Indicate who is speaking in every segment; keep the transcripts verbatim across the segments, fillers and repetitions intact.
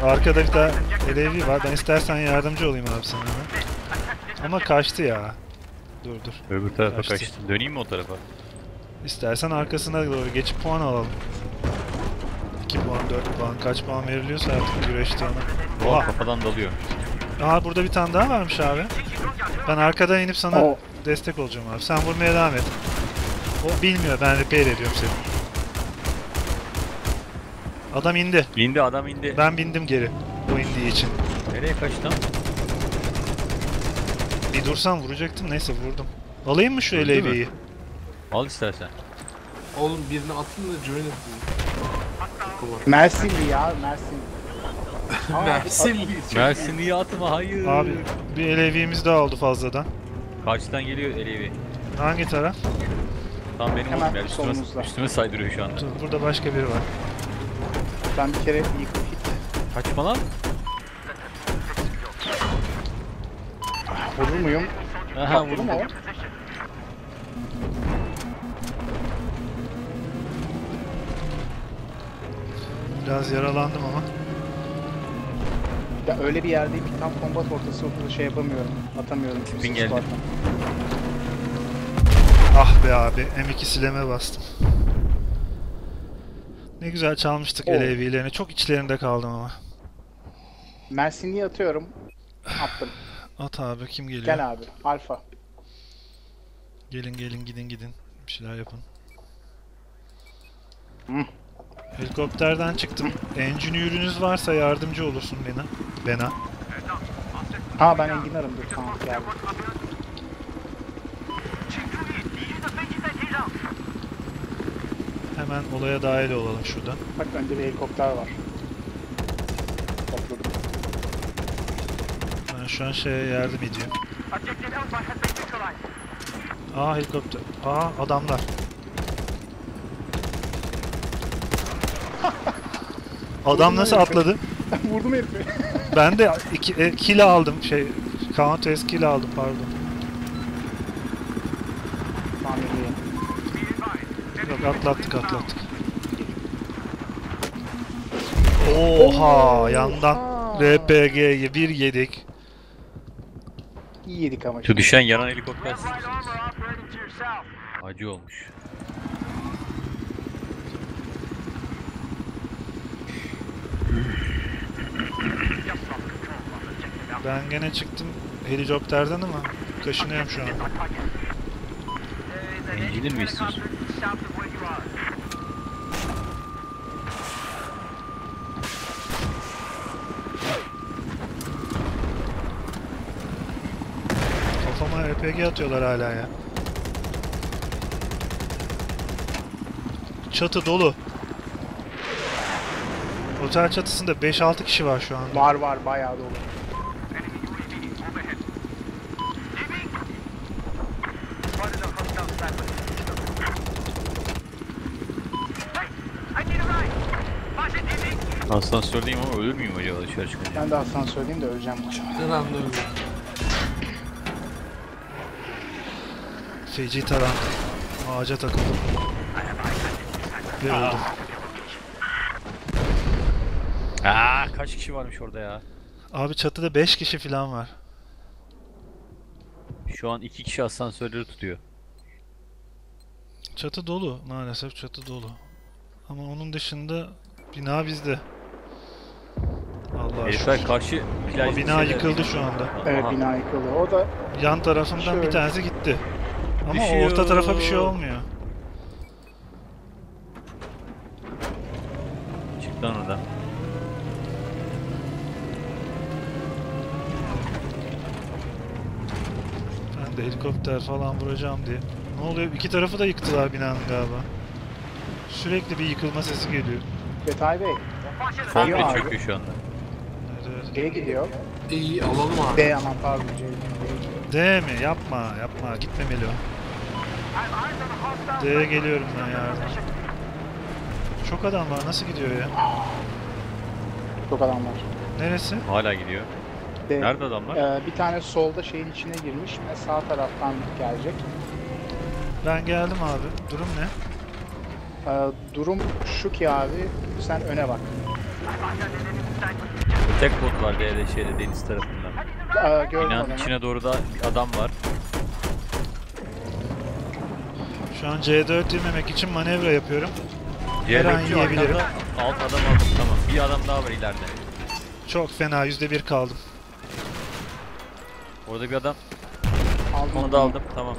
Speaker 1: Arkada bir tane L A V var. Ben istersen yardımcı olayım abi sana. Ama kaçtı ya. Dur dur.
Speaker 2: Öbür tarafa
Speaker 1: Kaçtı.
Speaker 2: kaçtı. Döneyim mi o tarafa?
Speaker 1: İstersen arkasına doğru geçip puan alalım. iki puan, dört puan, kaç puan veriliyorsa artık güreşte ona.
Speaker 2: Oha, kafadan dalıyor.
Speaker 1: Aa, burada bir tane daha varmış abi. Ben arkadan inip sana
Speaker 3: Oh.
Speaker 1: destek olacağım abi. Sen vurmaya devam et. O bilmiyor, ben repair ediyorum seni. Adam indi.
Speaker 2: İndi, adam indi.
Speaker 1: Ben bindim geri. O indiği için.
Speaker 2: Nereye kaçtı lan?
Speaker 1: Bir dursam vuracaktım, neyse vurdum. Alayım mı şu
Speaker 2: Öldü
Speaker 1: L A V'yi?
Speaker 2: Al istersen.
Speaker 4: Oğlum birini atın da join edin.
Speaker 3: Mersinli ya, Mersin. Aa,
Speaker 4: Mersinli.
Speaker 2: Mersinli'yi atma, hayır.
Speaker 1: Abi bir L A V'miz daha oldu fazladan.
Speaker 2: Karşıdan geliyor Elevi.
Speaker 1: Hangi taraf?
Speaker 2: Tam benim
Speaker 3: Hemen
Speaker 2: oğlum ya, üstüme,
Speaker 3: solumuzda.
Speaker 2: üstüme saydırıyor şu anda.
Speaker 1: Dur, burada başka biri var.
Speaker 3: Ben bir kere yıkıp git.
Speaker 2: Kaçma lan.
Speaker 3: Vurur muyum?
Speaker 2: Aha,
Speaker 3: Vurur
Speaker 2: vurdum.
Speaker 3: mu o?
Speaker 1: Biraz yaralandım ama.
Speaker 3: Ya öyle bir yerdeyim ki tam kombat ortası ortada şey yapamıyorum. Atamıyorum.
Speaker 2: Tipin geldi.
Speaker 3: Squat'tan.
Speaker 1: Ah be abi, M iki sileme bastım. Ne güzel çalmıştık
Speaker 3: Oh.
Speaker 1: L A V'lerini. Çok içlerinde kaldım ama.
Speaker 3: Mersinli'yi atıyorum. Attım.
Speaker 1: At abi, kim geliyor?
Speaker 3: Gel abi. Alfa.
Speaker 1: Gelin gelin, gidin gidin. Bir şeyler yapın.
Speaker 3: Hı.
Speaker 1: Helikopterden çıktım. Engineer'ünüz varsa yardımcı olursun bana. Bana.
Speaker 3: Ha ben enginarım dur tamam geldim.
Speaker 1: Hemen olaya dahil olalım şurada.
Speaker 3: Bak önde bir helikopter var. Topladım.
Speaker 1: Ben şu an şeye yardım ediyorum. Aa, helikopter. Aa, adamlar. Adam nasıl atladı?
Speaker 3: Vurdum herifi.
Speaker 1: Ben de iki, e, kill aldım. Şey, counter kill aldım, pardon.
Speaker 3: Tamam edeyim.
Speaker 1: Yok, atlattık atlattık. Oha, yandan R P G'yi bir yedik.
Speaker 3: İyi yedik ama.
Speaker 2: Şu düşen yanan helikopter siz misiniz? Acı olmuş.
Speaker 1: Ben gene çıktım helikopterden ama kaşınıyorum şu an.
Speaker 2: Engineer mi istiyorsun?
Speaker 1: Kafama R P G atıyorlar hala ya. Çatı dolu. Otel çatısında beş altı kişi var şu anda.
Speaker 3: Var var bayağı dolu.
Speaker 2: Asansördeyim ama ölür müyüm acaba dışarı çıkınca?
Speaker 3: Ben de asansördeyim de öleceğim muhtemelen.
Speaker 4: Ben anlıyorum.
Speaker 1: Feci taran. Ağaca takıldım. Ve öldüm.
Speaker 2: Aa, kaç kişi varmış orada ya?
Speaker 1: Abi çatıda beş kişi falan var.
Speaker 2: Şu an iki kişi asansörleri tutuyor.
Speaker 1: Çatı dolu, maalesef çatı dolu. Ama onun dışında bina bizde. Allah
Speaker 2: Herifler
Speaker 1: şükür.
Speaker 2: karşı
Speaker 1: Ama
Speaker 2: plaj
Speaker 1: bina yıkıldı şu anda.
Speaker 3: Evet
Speaker 2: Aha.
Speaker 3: bina yıkıldı. O da
Speaker 1: Yan tarafından
Speaker 3: Şöyle.
Speaker 1: bir tanesi gitti. Ama
Speaker 2: Düşüyor.
Speaker 1: orta tarafa bir şey olmuyor.
Speaker 2: Çık lan oradan.
Speaker 1: Ben de helikopter falan vuracağım diye. Ne oluyor? İki tarafı da yıktılar binanın galiba. Sürekli bir yıkılma sesi geliyor.
Speaker 3: Betay Bey.
Speaker 2: Komple
Speaker 3: abi.
Speaker 2: çöküyor şu anda.
Speaker 1: Evet, evet.
Speaker 3: C'ye gidiyor.
Speaker 4: İyi alalım abi.
Speaker 3: D aman pardon C.
Speaker 1: D mi? Yapma, yapma. Gitmemeli o. D'ye geliyorum ben yardıma. Çok adam var. Nasıl gidiyor ya?
Speaker 3: Çok adam var.
Speaker 1: Neresi?
Speaker 2: Hala gidiyor.
Speaker 3: D.
Speaker 2: Nerede adamlar?
Speaker 3: Ee, bir tane solda şeyin içine girmiş ve sağ taraftan gelecek.
Speaker 1: Ben geldim abi. Durum ne?
Speaker 3: Ee, durum şu ki abi sen öne bak.
Speaker 5: Tek bot var D'de şeyde deniz tarafında.
Speaker 3: Aa, gördüm
Speaker 5: Binanın
Speaker 3: adamı.
Speaker 5: içine doğru da bir adam var.
Speaker 1: Şu an C dört yememek için manevra yapıyorum. Her an
Speaker 5: C dört
Speaker 1: yiyebilirim.
Speaker 5: arkanda alt adam aldım tamam. Bir adam daha var ileride.
Speaker 1: Çok fena yüzde bir kaldım.
Speaker 5: Orada bir adam.
Speaker 3: Aldım
Speaker 5: Onu da
Speaker 3: adamı.
Speaker 5: aldım tamam.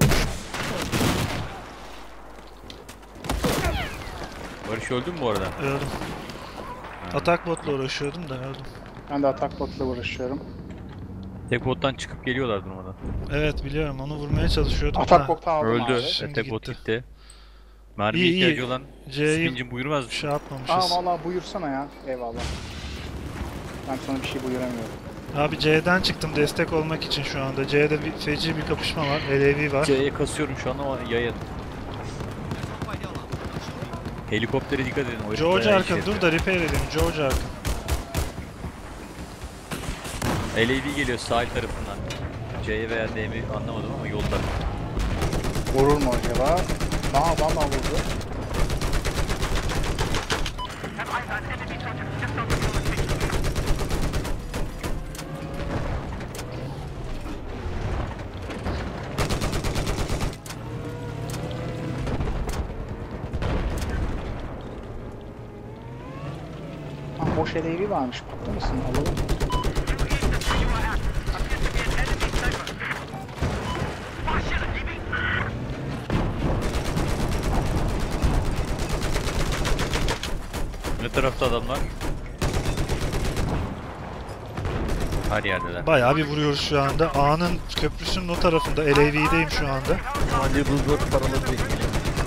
Speaker 5: Barış öldün mü bu arada?
Speaker 1: Öldüm. Atak botla uğraşıyordum da öldüm.
Speaker 3: Ben de atak botla uğraşıyorum.
Speaker 5: Tek bottan çıkıp geliyorlar durmadan.
Speaker 1: Evet biliyorum onu vurmaya çalışıyordum
Speaker 3: Atak
Speaker 1: da.
Speaker 3: bottan aldım
Speaker 5: Öldü.
Speaker 3: abi.
Speaker 1: Şimdi
Speaker 5: E, tek bot
Speaker 1: gitti.
Speaker 5: gitti. Mermiye
Speaker 1: İyi, iyi.
Speaker 5: ihtiyacı olan
Speaker 1: C'yi
Speaker 5: Spin'cim buyurmaz mısın?
Speaker 1: şey
Speaker 3: Aa
Speaker 1: yapmamışız.
Speaker 3: valla buyursana ya. Eyvallah. Ben sana bir şey buyuramıyorum.
Speaker 1: Abi C'den çıktım destek olmak için şu anda. C'de bir feci bir kapışma var. L A V var.
Speaker 5: C'ye kasıyorum şu an ama yayın. Helikoptere dikkat edin. O herif
Speaker 1: George
Speaker 5: bayağı
Speaker 1: Arkın
Speaker 5: iş
Speaker 1: dur da repair edeyim. George Arkın.
Speaker 5: yapıyor. L A V geliyor sahil tarafından. C'ye veya D'ye anlamadım ama yolda.
Speaker 3: Vurur mu acaba? Aa valla vurdu. Aa, boş eleği varmış. Bakar mısın? Alalım.
Speaker 5: Ne tarafta adamlar? Her yerdeler.
Speaker 1: Bayağı bir vuruyoruz şu anda. A'nın köprüsünün o tarafında. L A V'deyim şu anda.
Speaker 5: Hadi bu dört paraları bekleyelim.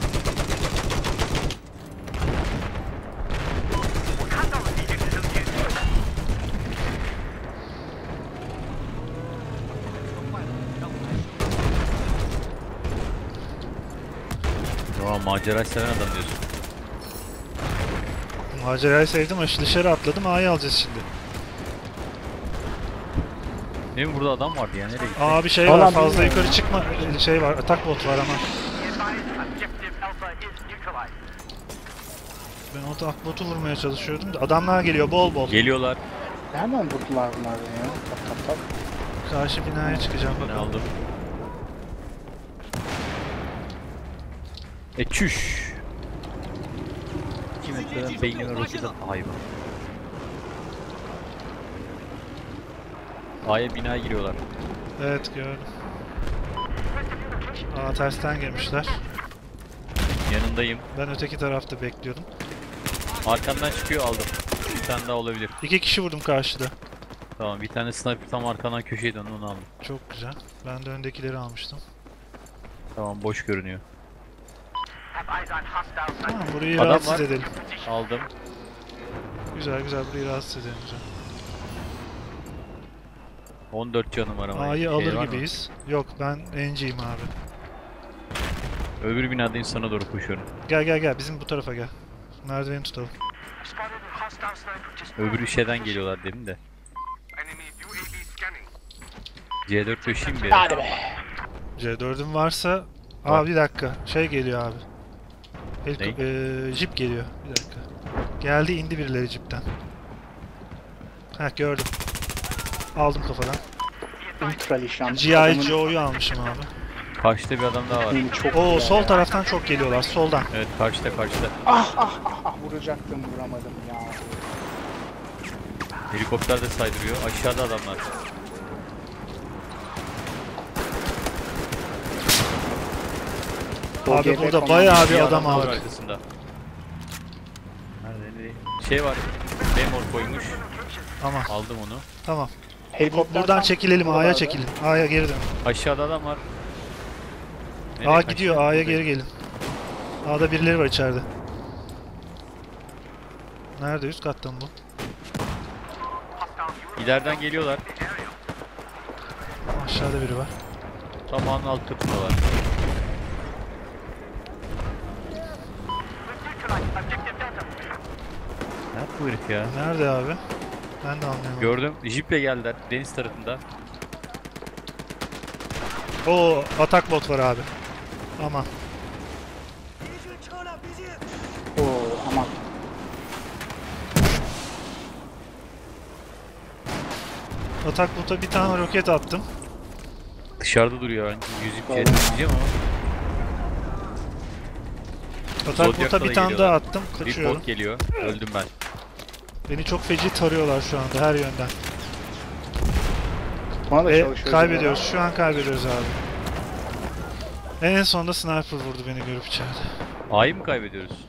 Speaker 5: Tamam macera seven adam diyorsun.
Speaker 1: Macerayı sevdim ama dışarı atladım. A'yı alacağız şimdi.
Speaker 5: Değil mi burada adam vardı ya nereye gitti?
Speaker 1: Aa bir şey
Speaker 3: Falan
Speaker 1: var. Fazla
Speaker 3: bilmiyorum.
Speaker 1: yukarı çıkma. Şey var. Atak bot var ama.
Speaker 2: Objective Alpha is neutralized.
Speaker 1: Ben o atak botu vurmaya çalışıyordum da. Adamlar geliyor bol bol.
Speaker 5: Geliyorlar.
Speaker 3: Nereden vurdular bunlar beni ya? Tap tap tap.
Speaker 1: Karşı binaya çıkacağım
Speaker 5: Ne
Speaker 1: bakalım.
Speaker 5: aldım? E çüş. iki metreden beynime roket at hayvan. A'ya binaya giriyorlar.
Speaker 1: Evet gördüm. Aa tersten girmişler.
Speaker 5: Yanındayım.
Speaker 1: Ben öteki tarafta bekliyordum.
Speaker 5: Arkamdan çıkıyor aldım. Bir tane daha olabilir.
Speaker 1: İki kişi vurdum karşıda.
Speaker 5: Tamam bir tane sniper tam arkandan köşeye döndü onu aldım.
Speaker 1: Çok güzel. Ben de öndekileri almıştım.
Speaker 5: Tamam boş görünüyor.
Speaker 2: Have eyes on hostile
Speaker 1: Tamam burayı
Speaker 5: Adam
Speaker 1: rahatsız
Speaker 5: var.
Speaker 1: edelim.
Speaker 5: Aldım.
Speaker 1: Güzel güzel burayı rahatsız edelim. Güzel.
Speaker 5: on dört canım var ama.
Speaker 1: A'yı
Speaker 5: Şey
Speaker 1: alır
Speaker 5: var mı?
Speaker 1: gibiyiz. Yok ben N'ciyim abi.
Speaker 5: Öbür binadayım sana doğru koşuyorum.
Speaker 1: Gel gel gel bizim bu tarafa gel. Merdiveni tutalım.
Speaker 2: Spotted a hostile sniper just
Speaker 5: Öbür şeyden geliyorlar demin de.
Speaker 2: enemy U A V scanning.
Speaker 5: C dört döşeyim bir.
Speaker 3: Hadi be.
Speaker 1: C dördün varsa...
Speaker 5: Var.
Speaker 1: Aa bir dakika. Şey geliyor abi. Heliko
Speaker 5: Ne?
Speaker 1: eee, jip geliyor. Bir dakika. Geldi indi birileri jipten. Heh gördüm. Aldım kafadan.
Speaker 3: Ultra nişan.
Speaker 1: G I Joe'yu almışım abi.
Speaker 5: Karşıda bir adam daha var.
Speaker 3: Beni çok
Speaker 1: Oo
Speaker 3: güzel
Speaker 1: sol
Speaker 3: ya.
Speaker 1: taraftan çok geliyorlar. Soldan.
Speaker 5: Evet karşıda karşıda.
Speaker 3: Ah ah ah ah vuracaktım vuramadım ya.
Speaker 5: Helikopter de saydırıyor. Aşağıda adamlar.
Speaker 3: O
Speaker 1: Abi
Speaker 3: G B
Speaker 1: burada
Speaker 3: komando-
Speaker 1: bayağı bir
Speaker 5: Bir
Speaker 1: adam
Speaker 5: daha var
Speaker 1: aldık.
Speaker 5: arkasında. Nerede nereye? Şey var. Memor koymuş.
Speaker 1: Ama
Speaker 5: Aldım onu.
Speaker 1: tamam.
Speaker 3: Helikopter
Speaker 1: Buradan
Speaker 3: tam
Speaker 1: çekilelim. A'ya
Speaker 3: buralarda.
Speaker 1: çekilin. A'ya geri dön.
Speaker 5: Aşağıda adam var. Nereye
Speaker 1: A
Speaker 5: kaçtı?
Speaker 1: gidiyor. A'ya
Speaker 5: Buradayım.
Speaker 1: geri gelin. A'da birileri var içeride. Nerede? Üst katta mı bu?
Speaker 5: İleriden geliyorlar.
Speaker 1: Aşağıda biri var.
Speaker 5: Tam ağın alt katındalar.
Speaker 2: Neutralized objective Delta.
Speaker 5: Ne yaptı bu herif ya?
Speaker 1: Nerede abi? Ben de anlayamadım.
Speaker 5: Gördüm. Jiple geldiler. Deniz tarafında.
Speaker 1: Oo atak bot var abi. Aman.
Speaker 3: Oo aman.
Speaker 1: atak bota bir tane roket attım.
Speaker 5: Dışarıda duruyor yani. Yüzük
Speaker 3: Tamam.
Speaker 5: jet diyeceğim ama.
Speaker 1: Atak
Speaker 5: Zodiac'ta
Speaker 1: bota bir
Speaker 5: da
Speaker 1: tane
Speaker 5: geliyorlar.
Speaker 1: daha attım.
Speaker 5: Bir
Speaker 1: Kaçıyorum.
Speaker 5: bot geliyor. Öldüm ben.
Speaker 1: Beni çok feci tarıyorlar şu anda her yönden.
Speaker 3: Bana da
Speaker 1: Ve
Speaker 3: çalışıyoruz.
Speaker 1: kaybediyoruz. Şu an kaybediyoruz abi. En sonunda sniper vurdu beni görüp içeride.
Speaker 5: A'yı mı kaybediyoruz?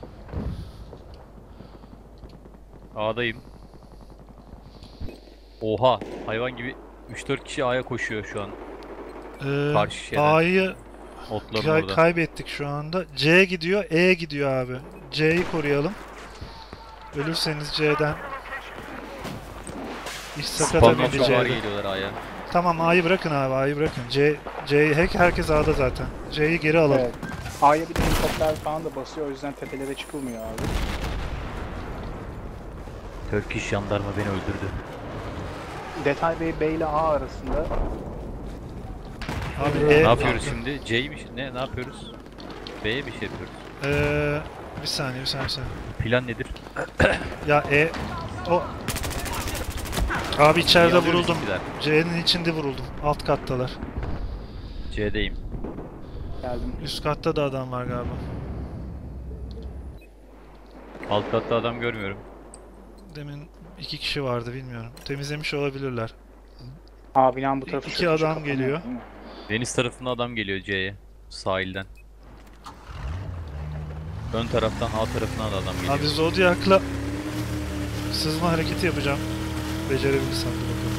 Speaker 5: A'dayım. Oha, hayvan gibi üç dört kişi A'ya koşuyor şu an.
Speaker 1: Ee,
Speaker 5: Karşı şeyden.
Speaker 1: A'yı
Speaker 5: Otların
Speaker 1: kay-
Speaker 5: orada.
Speaker 1: kaybettik şu anda. C gidiyor, E gidiyor abi. C'yi koruyalım. Ölürseniz C'den iş sakata
Speaker 5: Spam
Speaker 1: bindi
Speaker 5: noktalar
Speaker 1: C'de.
Speaker 5: geliyorlar A'ya.
Speaker 1: Tamam A'yı bırakın abi, A'yı bırakın. C, C'yi hack herkes A'da zaten. C'yi geri alalım.
Speaker 3: Evet. A'ya bir de helikopter falan da basıyor. O yüzden tepelere çıkılmıyor abi.
Speaker 5: Turkish jandarma beni öldürdü.
Speaker 3: Detay Bey B ile A arasında.
Speaker 1: Abi
Speaker 3: Ne
Speaker 1: E,
Speaker 5: Ne yapıyoruz şimdi? C'yi mi? Ne ne yapıyoruz? B'ye bir şey yapıyoruz.
Speaker 1: Ee, bir saniye, bir saniye, bir saniye.
Speaker 5: Plan nedir?
Speaker 1: Ya E, o... Abi içeride
Speaker 5: Niye alıyoruz
Speaker 1: vuruldum.
Speaker 5: bizimkiler?
Speaker 1: C'nin içinde vuruldum. Alt kattalar.
Speaker 5: C'deyim.
Speaker 3: Geldim.
Speaker 1: Üst katta da adam var galiba.
Speaker 5: Alt katta adam görmüyorum.
Speaker 1: Demin iki kişi vardı, bilmiyorum. Temizlemiş olabilirler.
Speaker 3: A binanın bu tarafı
Speaker 1: İki
Speaker 3: çok
Speaker 1: adam
Speaker 3: kapanıyor,
Speaker 1: geliyor.
Speaker 3: değil mi?
Speaker 5: Deniz tarafında adam geliyor C'ye. Sahilden. Ön taraftan A tarafından da adam geliyor.
Speaker 1: Abi Zodiac'la sızma hareketi yapacağım. Becerebilirsem de bakalım.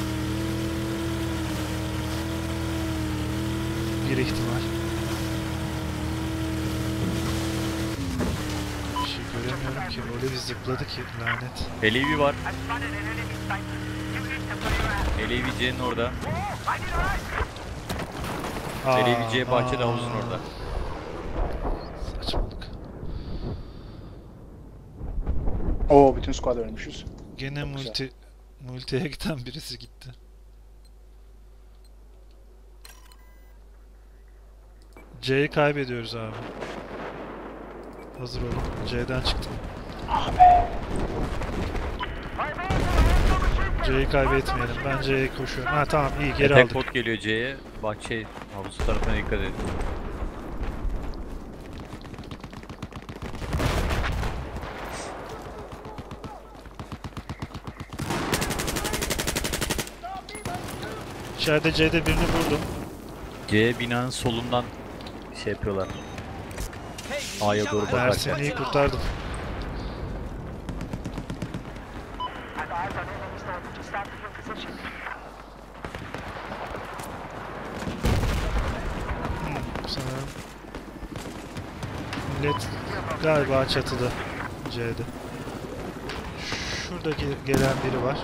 Speaker 1: Bir ihtimal. Bir şey göremiyorum ki. Öyle bir zıpladı ki lanet.
Speaker 5: L A V var.
Speaker 2: I spotted an enemy sniper. You need to put your ass.
Speaker 5: L A V C'nin orada.
Speaker 1: Aa,
Speaker 5: L A V C bahçede
Speaker 1: aa.
Speaker 5: havuzun orada.
Speaker 1: Saçmalık.
Speaker 3: Oo bütün squad ölmüşüz.
Speaker 1: Gene
Speaker 3: Çok güzel.
Speaker 1: multi multiye giden birisi gitti. C'yi kaybediyoruz abi. Hazır olun. C'den çıktım. C'yi kaybetmeyelim. Ben C'ye koşuyorum. Ha tamam, iyi, geri
Speaker 5: Attack
Speaker 1: aldık.
Speaker 5: bot geliyor C'ye. Bahçe havuz tarafına dikkat edin.
Speaker 1: İçeride C'de birini vurdum.
Speaker 5: C binanın solundan şey yapıyorlar. A'ya doğru bakarken.
Speaker 1: Ersin'i kurtardım.
Speaker 2: I've eyes on enemy sniper. Just stop in your position.
Speaker 1: Hmm, sanırım. Millet galiba çatıda. C'de. Şuradaki gelen biri var.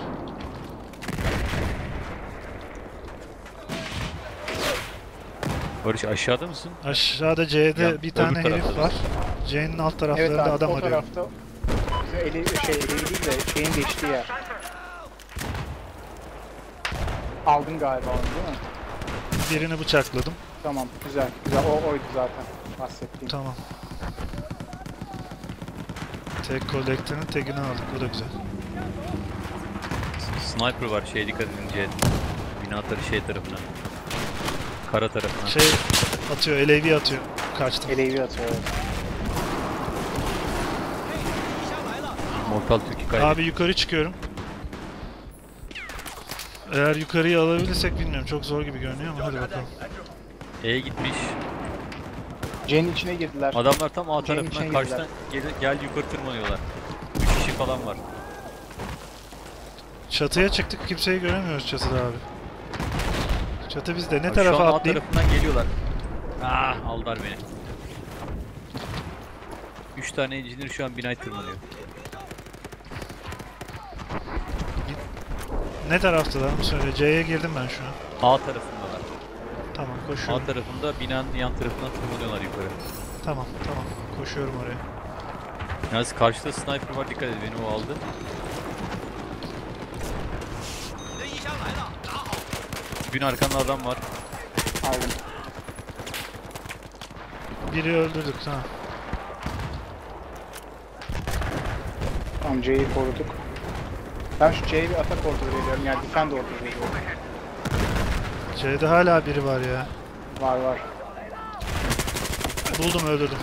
Speaker 5: Barış aşağıda mısın?
Speaker 1: Aşağıda C'de
Speaker 5: Ya,
Speaker 1: bir tane
Speaker 5: öbür
Speaker 1: herif
Speaker 5: tarafta
Speaker 1: var. C'nin alt
Speaker 3: Evet
Speaker 1: taraflarında
Speaker 3: abi
Speaker 1: adam
Speaker 3: o
Speaker 1: arıyor.
Speaker 3: tarafta bizim eli, şey eli değil de şeyin geçtiği yer. Aldın galiba onu değil mi?
Speaker 1: Birini bıçakladım.
Speaker 3: Tamam güzel güzel o oydu zaten bahsettiğim.
Speaker 1: Tamam. Tek kolektörün tekini aldık. Bu da güzel.
Speaker 5: Sniper var, şeye dikkat edin C. Bina tarafı şey tarafına. Kara tarafına.
Speaker 1: Şey atıyor, L A V atıyor. Kaçtım.
Speaker 3: Elevi atıyor. Evet.
Speaker 5: Mortal Türkiye kaydı.
Speaker 1: Abi yukarı çıkıyorum. Eğer yukarıyı alabilirsek bilmiyorum. Çok zor gibi görünüyor ama hadi bakalım.
Speaker 5: E gitmiş.
Speaker 3: C'nin içine girdiler.
Speaker 5: Adamlar tam A
Speaker 3: C'nin
Speaker 5: tarafından
Speaker 3: içine
Speaker 5: karşıdan gel, gel yukarı tırmanıyorlar. üç kişi falan var.
Speaker 1: Çatıya çıktık. Kimseyi göremiyoruz çatıda abi. Çatı bizde. Ne
Speaker 5: Bak,
Speaker 1: tarafa
Speaker 5: şu an A
Speaker 1: atlayayım?
Speaker 5: tarafından geliyorlar. Ah, aldılar beni. üç tane engineer şu an binayı tırmanıyor.
Speaker 1: Ne taraftalar mı söyle. C'ye girdim ben şu an.
Speaker 5: A tarafındalar.
Speaker 1: Tamam,
Speaker 5: A
Speaker 1: koşuyorum.
Speaker 5: tarafında binanın yan tarafından tırmanıyorlar yukarı.
Speaker 1: Tamam, tamam. Koşuyorum oraya.
Speaker 5: Yalnız karşıda sniper var, dikkat et, beni o aldı. Gün arkanda adam var.
Speaker 3: Aldım.
Speaker 1: Biri öldürdük, tamam.
Speaker 3: Tamam C'yi koruduk. Ben şu C'ye bir atak order veriyorum. Yani defend order veriyorum.
Speaker 1: C'de hala biri var ya.
Speaker 3: Var var.
Speaker 1: Buldum, öldürdüm.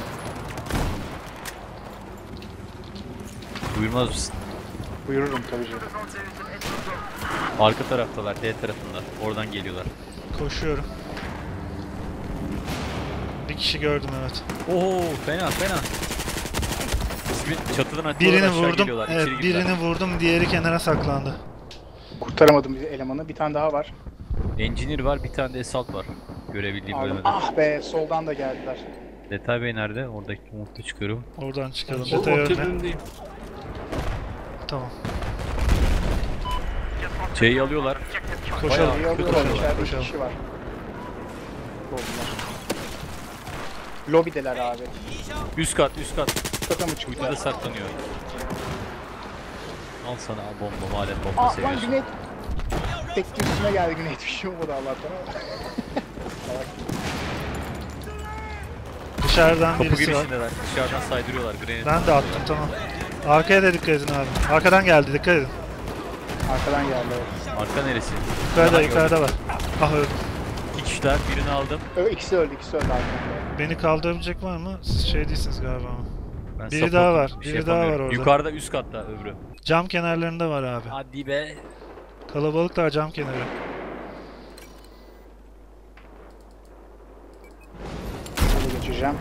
Speaker 5: Buyurmaz mısın?
Speaker 3: Buyururum tabii canım.
Speaker 5: Arka taraftalar, D tarafında. Oradan geliyorlar.
Speaker 1: Koşuyorum. Bir kişi gördüm, evet.
Speaker 5: Oo, fena fena. Bir çatıdan atıyorlar,
Speaker 1: Birini
Speaker 5: aşağı
Speaker 1: vurdum.
Speaker 5: geliyorlar,
Speaker 1: Evet,
Speaker 5: içeri girdiler.
Speaker 1: birini vurdum. Diğeri kenara saklandı.
Speaker 3: Kurtaramadım bir elemanı. Bir tane daha var.
Speaker 5: Engineer var, bir tane de Assault var. Görebildiğim
Speaker 3: Aldım.
Speaker 5: bölümde.
Speaker 3: Ah be, soldan da geldiler.
Speaker 5: Detay Bey nerede? Oradaki umutla çıkıyorum.
Speaker 1: Oradan çıkalım.
Speaker 4: O
Speaker 1: Detay
Speaker 4: orta
Speaker 1: önüne.
Speaker 4: bölümdeyim.
Speaker 1: Tamam.
Speaker 5: C'yi alıyorlar.
Speaker 1: Koşalım.
Speaker 3: İyi alıyorlar.
Speaker 1: Koşalım.
Speaker 3: İçeride iki
Speaker 1: Koşalım.
Speaker 3: kişi var. Oldular. Lobideler abi.
Speaker 5: Üst kat, üst kat.
Speaker 3: Kata mı
Speaker 5: Kuytuda
Speaker 3: çıktılar?
Speaker 5: saklanıyor. Al sana bomba, madem bomba
Speaker 3: Aa lan
Speaker 5: seviyorsun.
Speaker 3: Güney. Tekli üstüne geldi Güney. Bir şey olmadı Allah'tan ama.
Speaker 1: Dışarıdan
Speaker 5: Kapı
Speaker 1: birisi var.
Speaker 5: girişindeler. Dışarıdan saydırıyorlar. Grenade.
Speaker 1: Ben de attım, tamam. Arkaya da dikkat edin abi. Arkadan geldi, dikkat edin.
Speaker 3: Arkadan geldi. Evet.
Speaker 5: Arka neresi?
Speaker 1: Yukarıda,
Speaker 5: Aha,
Speaker 1: yukarıda var. Ah, öldüm.
Speaker 5: İki kişiler, birini aldım.
Speaker 3: Ö, ikisi öldü, ikisi öldü arkadan.
Speaker 1: Beni kaldırabilecek var mı? Siz şey değilsiniz galiba ama.
Speaker 5: Ben
Speaker 1: Biri
Speaker 5: support
Speaker 1: daha var,
Speaker 5: bir şey
Speaker 1: biri daha var
Speaker 5: yapamıyorum.
Speaker 1: orada.
Speaker 5: Yukarıda, üst katta öbürü.
Speaker 1: Cam kenarlarında var abi.
Speaker 5: Hadi be.
Speaker 1: Kalabalıklar cam kenarı.
Speaker 3: Şöyle geçeceğim.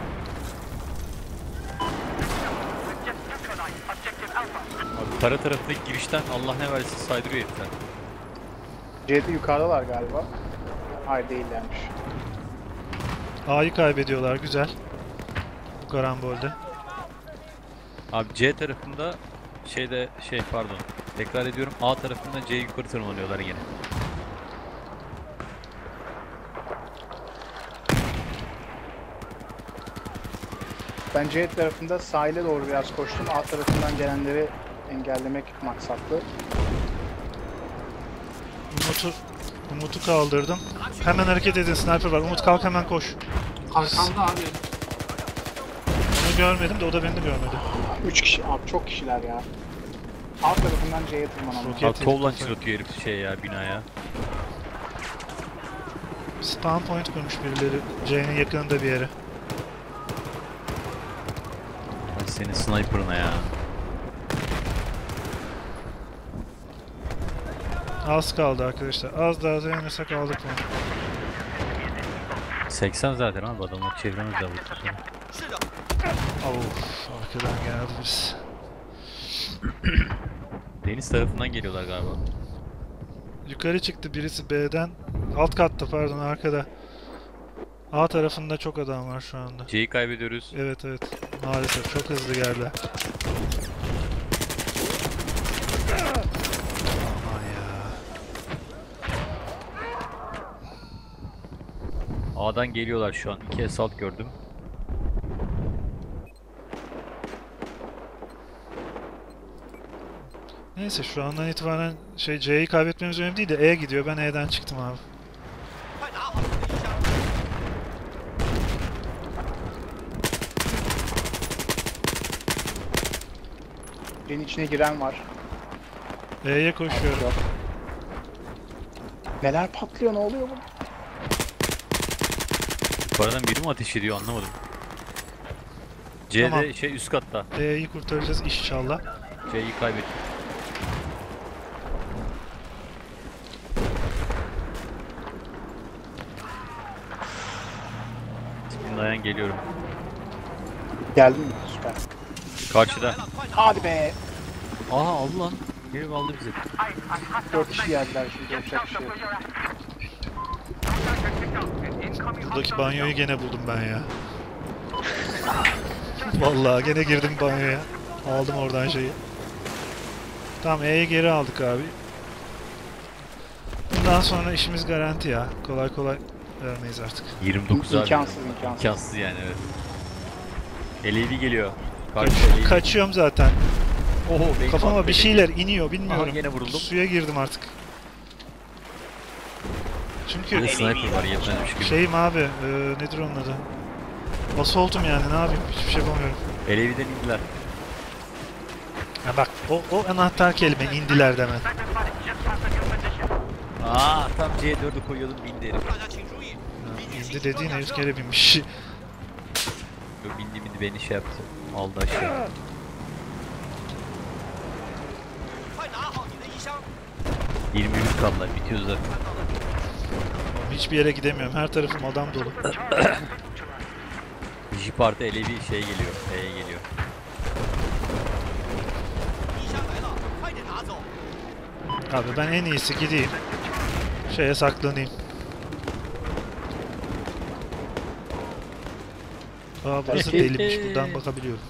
Speaker 5: Abi kara taraftaki girişten Allah ne versin saydırıyor herifler.
Speaker 3: C'de yukarıdalar galiba. Hayır değillermiş.
Speaker 1: A'yı kaybediyorlar, güzel. Bu karambolde.
Speaker 5: Abi C tarafında şeyde şey pardon. Tekrar ediyorum. A tarafında C yukarı tırmanıyorlar yine.
Speaker 3: Ben C tarafında sahile doğru biraz koştum. A tarafından gelenleri engellemek maksatlı.
Speaker 1: Umut'u Umut'u kaldırdım. Hemen hareket edin, sniper var. Umut kalk, hemen koş.
Speaker 4: Arkamda abi.
Speaker 1: Onu görmedim de o da beni de görmedi.
Speaker 3: Üç kişi, abi çok kişiler ya. A tarafından C'ye tırmanalım.
Speaker 1: Roket-
Speaker 5: Abi kovlan çıratıyor herif şey ya binaya.
Speaker 1: Spawn point kurmuş birileri. C'nin yakınında bir yere.
Speaker 5: Ay senin sniper'ına ya.
Speaker 1: Az kaldı arkadaşlar. Az daha dayanırsak aldık bunu.
Speaker 5: seksen zaten abi adamlar çevremizde vurdu sonra.
Speaker 1: Of, arkadan geldi biz.
Speaker 5: Deniz tarafından geliyorlar galiba.
Speaker 1: Yukarı çıktı birisi B'den. Alt katta pardon, arkada. A tarafında çok adam var şu anda.
Speaker 5: C'yi kaybediyoruz.
Speaker 1: Evet evet. Maalesef çok hızlı geldi. Aman ya.
Speaker 5: A'dan geliyorlar şu an. İki assault gördüm.
Speaker 1: Neyse şu andan itibaren şey C'yi kaybetmemiz önemli değil de E gidiyor. Ben E'den çıktım abi.
Speaker 3: C'nin içine giren var.
Speaker 1: E'ye koşuyorum.
Speaker 3: Yok. Neler patlıyor, ne oluyor bu?
Speaker 5: Yukarıdan biri mi ateş ediyor anlamadım. C'de
Speaker 1: Tamam.
Speaker 5: şey üst katta.
Speaker 1: E'yi kurtaracağız inşallah.
Speaker 5: C'yi kaybettim. Tipin dayan geliyorum.
Speaker 3: Geldin mi? Süper.
Speaker 5: Karşıda.
Speaker 3: Hadi be!
Speaker 5: Aha aldı lan. Geri aldı bizi.
Speaker 3: Dört kişi geldiler şimdi, yapacak bir şey yok.
Speaker 1: Buradaki banyoyu gene buldum ben ya. Vallahi gene girdim banyoya. Aldım oradan şeyi. Tamam, E'yi geri aldık abi. Bundan sonra işimiz garanti ya. Kolay kolay vermeyiz artık.
Speaker 5: yirmi dokuz abi.
Speaker 3: İmkansız, imkansız.
Speaker 5: İmkansız yani evet. L E D geliyor.
Speaker 1: Kaç,
Speaker 5: Karşı L E D.
Speaker 1: kaçıyorum zaten.
Speaker 5: Oho, base
Speaker 1: Kafama
Speaker 5: bump
Speaker 1: bir
Speaker 5: belli.
Speaker 1: şeyler iniyor, bilmiyorum.
Speaker 5: Aha, gene vuruldum.
Speaker 1: Suya girdim artık.
Speaker 5: Bir
Speaker 1: Çünkü
Speaker 5: de sniper var yetmezmiş gibi.
Speaker 1: şeyim abi, e, nedir onun adı? Assault'um yani, ne yapayım, hiçbir şey yapamıyorum.
Speaker 5: L E D'den indiler.
Speaker 1: Ha bak o, o anahtar kelime indiler demen.
Speaker 5: Aa tam C dördü koyuyordum bindi herif.
Speaker 1: Ha, indi dediğin herif kere binmiş.
Speaker 5: Yok bindi bindi beni şey yaptı. Aldı aşağı. yirmi bir kaldılar bitiyor zaten.
Speaker 1: Oğlum hiçbir yere gidemiyorum. Her tarafım adam dolu.
Speaker 5: Jeep artı ele bir şey geliyor. E'ye geliyor.
Speaker 1: Abi ben en iyisi gideyim. Şeye saklanayım. Aa burası delimiş. Buradan bakabiliyorum.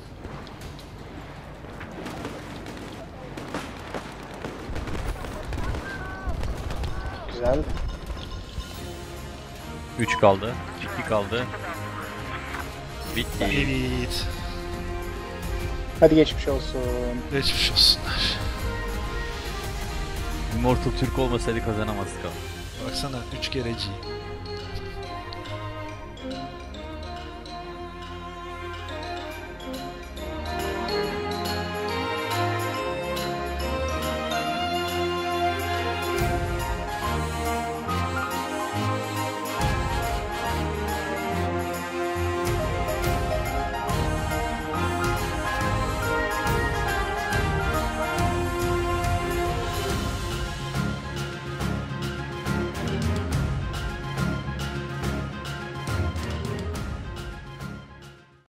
Speaker 3: Güzel.
Speaker 5: üç kaldı. iki kaldı. Bitti.
Speaker 1: Evet.
Speaker 3: Hadi geçmiş olsun.
Speaker 1: Geçmiş olsunlar.
Speaker 5: Immortal Türk olmasaydı kazanamazdık abi.
Speaker 1: Baksana üç kere G.